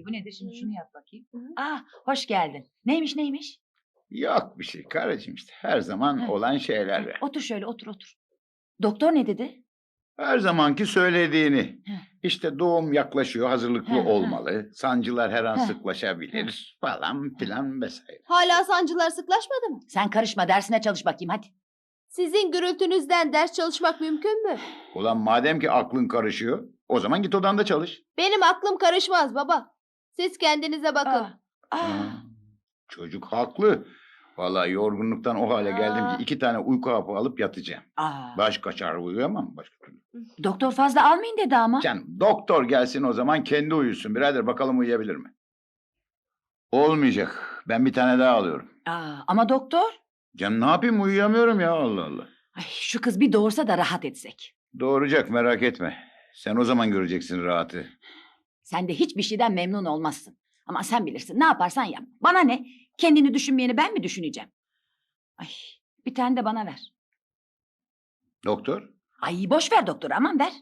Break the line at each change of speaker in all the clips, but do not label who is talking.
Bu nedir şimdi, şunu yap bakayım. Hoş geldin. Neymiş?
Yok bir şey karıcığım, işte her zaman olan şeyler.
Otur şöyle, otur. Doktor ne dedi?
Her zamanki söylediğini.
Heh.
İşte doğum yaklaşıyor, hazırlıklı
Heh,
olmalı. Sancılar her an
Heh.
sıklaşabilir falan filan vesaire.
Hala sancılar sıklaşmadı mı?
Sen karışma, dersine çalış bakayım hadi.
Sizin gürültünüzden ders çalışmak mümkün mü?
Ulan madem ki aklın karışıyor, o zaman git odanda çalış.
Benim aklım karışmaz baba. Siz kendinize bakın.
Çocuk haklı. Vallahi yorgunluktan o hale geldim ki 2 tane uyku hapı alıp yatacağım. Baş kaçar, uyuyamam başka türlü.
Doktor fazla almayın dedi ama.
Canım doktor gelsin o zaman, kendi uyusun. Birader bakalım uyuyabilir mi? Olmayacak. Ben bir tane daha alıyorum.
Ama doktor.
Canım ne yapayım, uyuyamıyorum ya, Allah Allah.
Şu kız bir doğursa da rahat etsek.
Doğuracak, merak etme. Sen o zaman göreceksin rahatı.
Sen de hiçbir şeyden memnun olmazsın. Ama sen bilirsin, ne yaparsan yap. Bana ne? Kendini düşünmeyeni ben mi düşüneceğim? Bir tane de bana ver.
Doktor?
Boş ver doktor, aman ver.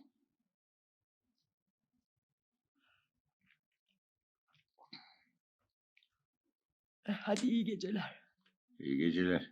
Hadi iyi geceler.
İyi geceler.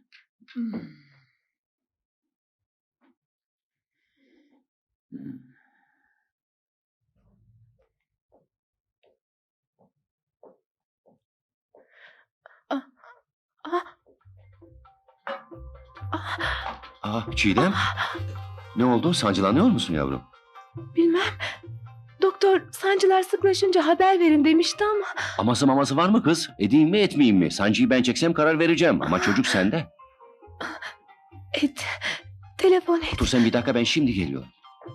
Çiğdem. Ne oldu? Sancılanıyor musun yavrum?
Bilmem. Doktor sancılar sıklaşınca haber verin demişti ama.
Aması maması var mı kız? Edeyim mi etmeyeyim mi? Sancıyı ben çeksem karar vereceğim. Ama çocuk sende.
Et. Telefon et.
Otur sen bir dakika, ben şimdi geliyorum.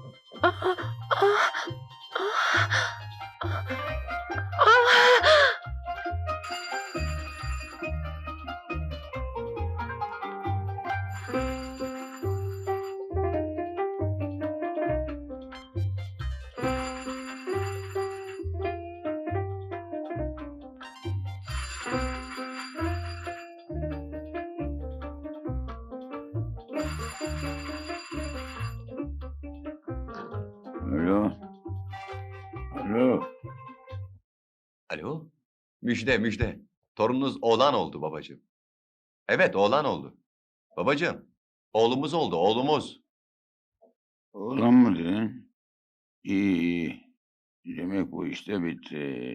Alo. Alo.
Alo? Müjde. Torununuz oğlan oldu babacığım. Evet, oğlan oldu. Babacığım, oğlumuz oldu, oğlumuz.
Oğlan mı dedin? İyi. Demek bu işte bitti.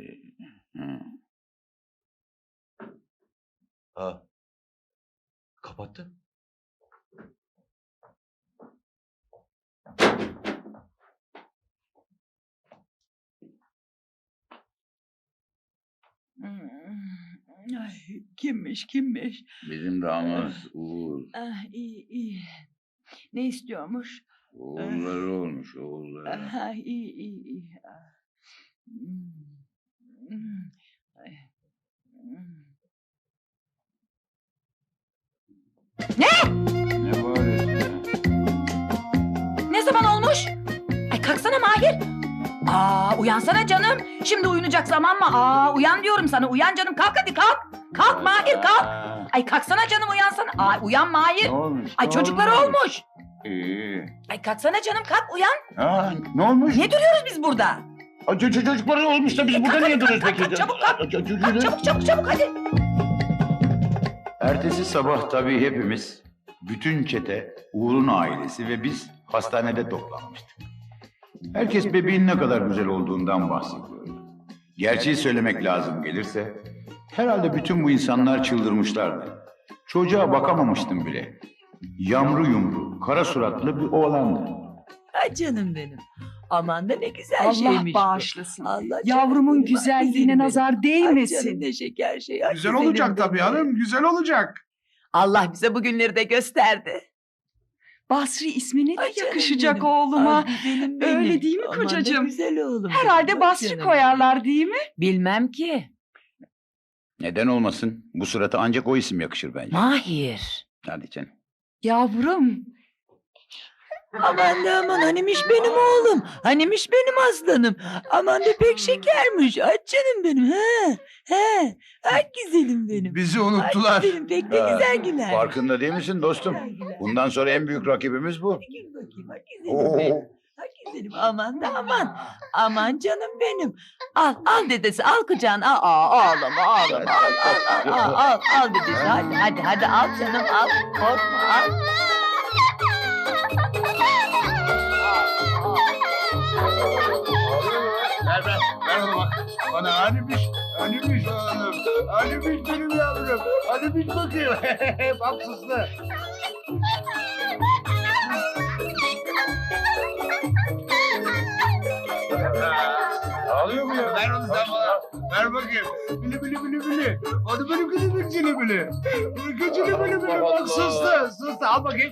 Kapattı.
Kimmiş?
Bizim damat Uğur.
İyi. Ne istiyormuş?
Oğulları olmuş, oğulları.
İyi.
Ne bağırıyorsun ya?
Ne zaman olmuş? Kalksana Mahir. Uyansana canım. Şimdi uyunacak zaman mı? Uyan diyorum sana. Uyan canım. Kalk hadi kalk. Kalk Mahir kalk. Kalksana canım, uyansana. Uyan Mahir.
Ne olmuş?
Çocukları olmuş.
İyi.
Kalksana canım, kalk uyan.
Ne olmuş?
Ne duruyoruz biz burada?
Çocukları olmuş da biz burada niye duruyoruz
kalk,
peki?
çabuk kalk. Çabuk hadi.
Ertesi sabah tabii hepimiz, bütün çete, Uğur'un ailesi ve biz hastanede toplanmıştık. Herkes bebeğin ne kadar güzel olduğundan bahsediyor. Gerçeği söylemek lazım gelirse, herhalde bütün bu insanlar çıldırmışlardı. Çocuğa bakamamıştım bile. Yamru yumru, kara suratlı bir oğlandı.
Canım benim. Aman da ne güzel
Allah
şeymiş bu.
bağışlasın.
Allah canım
Yavrumun
benim,
güzelliğine
güzelim benim.
nazar
Ay
değmesin.
canım ne şeker şey. Ay
Güzel
güzelim
olacak tabii
benim.
hanım, güzel olacak.
Allah bize bugünleri de gösterdi.
Basri ismini de
Ay canım
yakışacak
benim.
oğluma.
Ay güzelim benim.
Öyle değil mi
Aman da
kocacığım?
güzel oğlum.
Herhalde
benim.
Basri
Canım
koyarlar değil mi?
Bilmem ki.
Neden olmasın? Bu surata ancak o isim yakışır bence.
Mahir.
Hadi canım.
Yavrum.
benim. Aman da aman hanimiş benim oğlum. Hanimiş benim aslanım. Aman da pek şekermiş. Ay canım benim. He. Ay güzelim benim.
Bizi
Ay
unuttular.
güzelim pek de güzel güler.
Farkında değil misin dostum? Bundan sonra en büyük rakibimiz bu.
Hadi gül bakayım. Ay güzelim benim. Ay güzelim aman da aman. Aman canım benim. Al dedesi al kucağına. Ağlama. Al dedesi hadi al canım al. Korkma al.
Ver onu bak. Bana hanimiş oğlum. Hanimiş benim yavrum. Hanimiş bakayım. Bak suslu. Ağlıyor mu ya? Ver onu sen bana. Ver bakayım. Bili. Hadi benim kızım bili bili. Küçülü bili. Bak suslu. Al bakayım.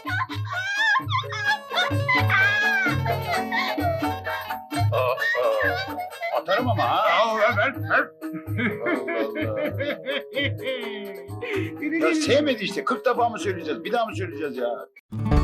Atarım ama ha. Ver. Ya sevmedi işte. 40 defa mı söyleyeceğiz? Bir daha mı söyleyeceğiz ya?